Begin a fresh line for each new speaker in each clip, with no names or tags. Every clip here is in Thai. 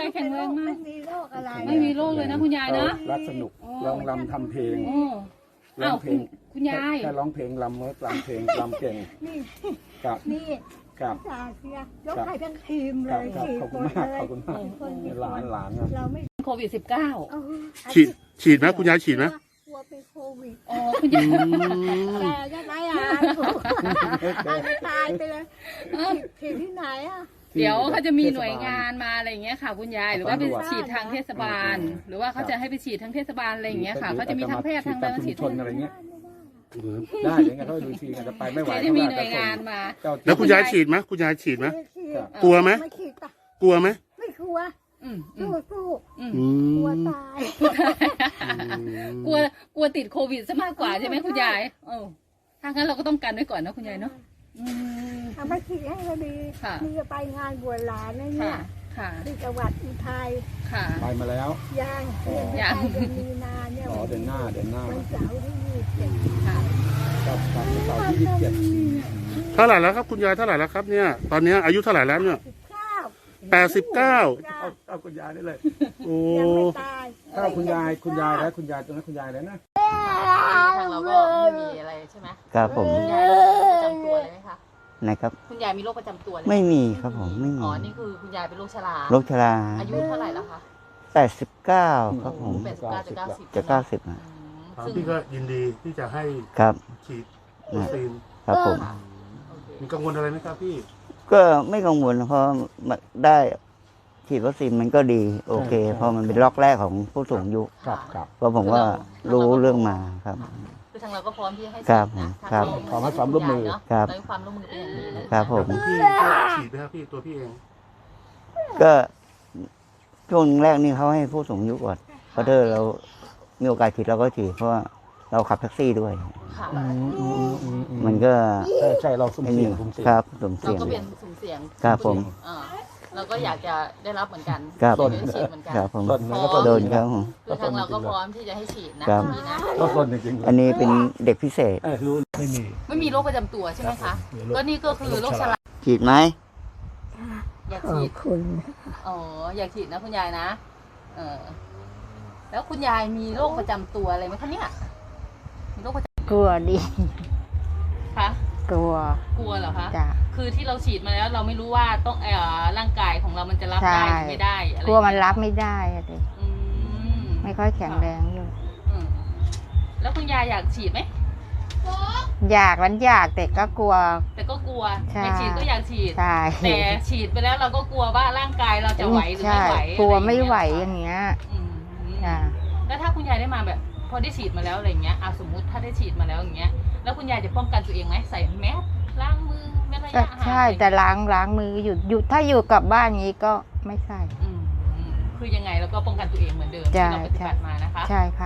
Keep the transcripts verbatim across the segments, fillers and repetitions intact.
แข็งแรงมาก
ไม่มีโรคอะไร
ไม่มีโรคเลยนะคุณยายนะ
รักสนุกร้องรำทำเพลง
โอ้
ร้องเพลง
คุณยาย
แค่ร้องเพลงรำเมื่อรำเพลงรำเก่ง
นี่
กับ
นี่
กับ
จ่าเสียยกให้ทั้งทีมเล
กับ
ย
กับ
สี่
ขอบ
ค
คุณ
น
มาก
เลย
ขอบคุณมาก
สี่คน
หลานหลานนะ
เราไม่
โควิดสิบเก้า
เออ
ฉีดฉีดไหมคุณยายฉีดไหม
กลัวเป็นโควิด
อ๋อคุณยาย
แต่ยังไงอ่ะอาจจะตายไปเลยฉีดที่ไหนอ่ะ
เดี๋ยวเขาจะมีหน่วยงานมาอะไรอย่างเงี้ยค่ะคุณยายหรือว่าไปฉีดทางเทศบาล หรือว่าเขาจะให้ไปฉีดทางเทศบาลอะไรอย่างเงี้ยค่ะเขาจะมีทั้งแพทย์ทั้งอะไรมาฉีด
ชนอะไรเงี้ยได้เดี๋ยวกันเขาดูทีกันจะไปไม่ไหว
จะมีหน่วยงานมา
แล้วคุณยายฉีดไหมคุณยายฉีดไหม
ไม่ฉีด
กลัวไหม
ไม่ฉีดปะ
กลัวไหม
ไม่กลัว
อืมอื
สู้
ม
สู้
อืม
อื
กลัว
ม
ตาย
กลัวกลัวติดโควิดซะมากกว่าใช่ไหมคุณยายเออถ้างั้นเราก็ต้องกันไว้ก่อนนะคุณยายเนาะอืม
ทำให้ฉีดให้ก็ดี
ค่ะ
นี่จะไปงานบวชหลานนะเนี่
ค่ะ
ย
ค่ะ
ที่จังหวัดอุทัย
ค่ะ
ไปมาแล้ว
ย่างเดือน
ยัง
เดือนมีนาเนี่ย
อ๋อเดือนหน้าเดือนหน้า
วันเสาร์ที่ยี่สิบเจ็ด
ค่ะ
กับกับเสาร์ที่ยี่สิบเจ็ด
เท่าไหร่แล้วครับคุณยายเท่าไหร่แล้วครับเนี่ยตอนนี้อายุเท่าไหร่แล้วเนี่ย
สิบเก้า
แปดสิบเก้า
เอาเอาคุณยายได้เลย
โอ้
ยังไม่ตาย
ถ้าคุณยายคุณยายแล้วคุณยายตรงนั้นคุณยายแล้วนะ
ทางเราก็ไม่มีอะไรใช่ไหม
ครับผม
คุณยายมีโรคประจำตัวเลยไหมคะ
นะครับ
คุณยายมีโรคประจำตัวเลย
ไม่มีครับผมไม่มี
อ๋อนี่คือคุณยายเป็นโรคชรา
โรคชรา
อายุเท่าไหร่แล้วคะ
แปดสิบเก้าครับผม
แปดสิบเก้าจะเก้าสิบ
จะเก้าสิบ
อื
อ่ะ
ม
ทาง
ซึ่ง
พี่ก็ยินดีที่จะให้
ครับ
ฉีดวัคซีน
ครับผม
โอเค
มีกังวลอะไรไหมครับพี่
ก็ไม่กังวลเพราะได้ฉีดวัคซีนมันก็ดีโอเคเพราะมันเป็นล็อกแรกของผู้สูงอายุ
ครับครับ
เพราะผมก็รู้เรื่องมาครับ
คือทางเราก็พร้อมที่จะให้
ครับ
ฉีดนะ
ครับ
ทาง
ขอให้ความร่วมมือ
เนาะ
ครับ
เราให้ความร่วมมือเป็นอย่างดีนะครับ
ผม
พี่ก็ฉีดไหมครับพี่ตัวพี่เอง
ก็ช่วงแรกนี่เขาให้ผู้สูงอายุก่อนเพราะถ้าเรามีโอกาสฉีดเราก็ฉีดเพราะว่าเราขับแท็กซี่ด้วย
ค่ะ
มันก็
ใช่ใช่เราสุ่ม
ไอ้
เสี่
นี่
ยงสุ่มเสี่ยง
ครับสม
เรา
เสี่ยง
ก็เป็นสุ่มเสี่ยง
ครับผม
เออเราก็อยากจะได้รับเหมือนกัน
ครับ
อยากได้ฉีดเหมือนกัน
ครับผม
ต้นนั้นก็
โดนครับผม
คือทางเราก็พร้อมที่จะให้ฉีดนะครับ พี่นะ
ก็ต้นจริงๆ
อันนี้เป็นเด็กพิเศษ
เออรู้ไม่มี
ไม่มีโรคประจำตัวใช่ไหมคะก็นี่ก็คือโรคชรา
ฉีดไหม
อยาก
ขอ
ฉี
บ
ด
คุณ
อ๋ออยากฉีดนะคุณยายนะเออแล้วคุณยายมีโรคประจำตัวอะไรไหมคะเนี่ยมีโรคประจ
กลัวดิ
ำคะ
กลัว
กลัวเหรอคะ
จ้ะ
คือที่เราฉีดมาแล้วเราไม่รู้ว่าต้องเอ่อร่างกายของเรามันจะรับได้หรือไม่ได้อะไร
กลัวมันรับไม่ได้อะดิ
อืม
ไม่ค่อยแข็งแรงอยู่
อืมแล้วคุณยายอยากฉีดไหม
อยากมันอยากแต่ก็กลัว
แต่ก็กลัว
ใช่
อยากฉีดก็อยากฉีด
ใช่
แต่ฉีดไปแล้วเราก็กลัวว่าร่างกายเราจะไหวหรือไม่ไหว
ใช่กลัวไม่ไหว
อะ
อย่างเงี้ย
อืม
จ้ะ
แล้วถ้าคุณยายได้มาแบบ พอได้ฉีดมาแล้วอะไรเงี้ยอ่ะสมมุติถ้าได้ฉีดมาแล้วอย่างเงี้ยแล้วคุณยายจะป้องกันตัวเองไหมใส่แมสล้างมือแมสระ
ก็
ยะห่าง
ใช่แต่ล้างล้างมืออยู่อยู่ถ้าอยู่กับบ้านนี้ก็ไม่ใส่
อืมคือยังไงเราก็ป้องกันตัวเองเหมือนเดิม
ใช่
ที่เราปฏิบัติมานะคะ
ใช่ค่ะ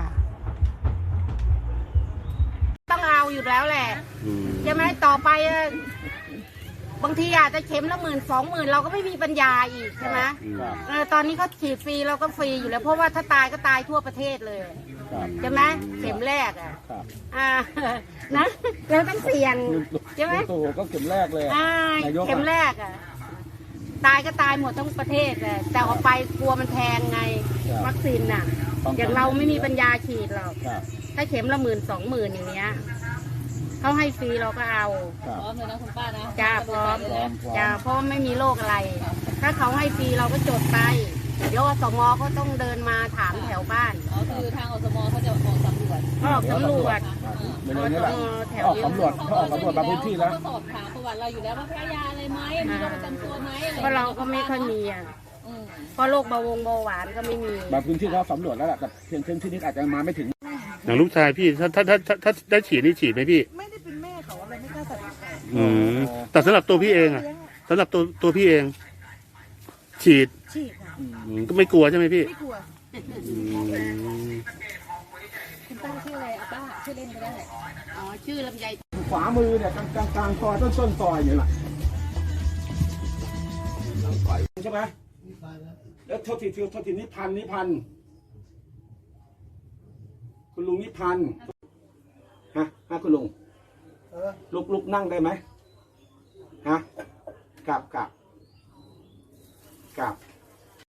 ต้องเอาอยู่แล้วแหละใช่ไหมต่อไปเอ่อบางทีอาจจะเข็มละหมื่นสองหมื่นเราก็ไม่มีปัญญาอีกใช่ไหม
ครับ
เออตอนนี้เขาฉีดฟรีเราก็ฟรีอยู่แล้วเพราะว่าถ้าตายก็ตายทั่วประเทศเลย
ครับ
ใช่ไหมเข็มแรกอ่ะ
ครับ
อ่า นะเราต้องเสี่ยงใช่ไหม
ลุงตู่ก็เข็มแรกเลย
อ่าน
ายกอะ
เข็มแรกอ่ะตายก็ตายหมดทั้งประเทศเลยแต่ออกไปกลัวมันแพงไงวัคซีนน่ะ อย่างเราไม่มีปัญญาฉีดหรอก
ครับ
ถ้าเข็มละหมื่นสองหมื่นอย่างเงี้ยเขาให้ฟรีเราก็เอา
ครับ
พร้อมเลยนะคุณป้านะ
จ้าพร้อม
พร้อมพร้อม
จ้าเพราะไม่มีโรคอะไร ถ้าเขาให้ฟรีเราก็จดไป เดี๋ยวอสมเขาต้องเดินมาถามแถวบ้าน
อ๋อคือทางอสมเขาจะออกสำรวจ
ออกสำรวจ
เดี๋ยวนี้แหละ
อสมแถว
ออกสำรวจเขาออกสำรวจบางพื้นที่แล้ว
เขาก็สอบถามประวัติเราอยู่แล้วว่าแพ้ยาอะไรไหมมีโรคประจำตัวไหมอะไร
เพราะเราก็ไม่ค่อยมีอ่ะ
อืม
เพราะโรคเบาหวงเบาหวานก็ไม่มี
บางพื้นที่เขาสำรวจแล้วแหละแต่เพียงเช่นที่นี้อาจจะมาไม่ถึง
อย่างลูกชายพี่ถ้าถ้าถ้าถ้าถ้าได้ฉีดนี่ฉีดไหมพี่
ไม่ได้เป็นแม่เขาอะไรไม่กล้าตัดสินใจ
อืมแต่สำหรับตัวพี่เองอะสำหรับตัวตัวพี่เอง ฉีด
ฉีดค่ะ
อืมก็ไม่กลัวใช่ไหมพี่
ไม่กลัว
อืม
คุณป้าชื่ออะไรอ่ะป้าชื่อเล่นก็ได้
อ๋อชื่อลำไย
ขวามือเนี่ยกลางกลางกลางซอยต้นต้นซอยอย่างนี้แหละใช่ไหมแล้วโทษทีโทษทีนิพันธ์นิพันธ์คุณลุงนิพันธ์ฮะฮะคุณลุงลุกลุกนั่งได้ไหมฮะกลับกลับกลับ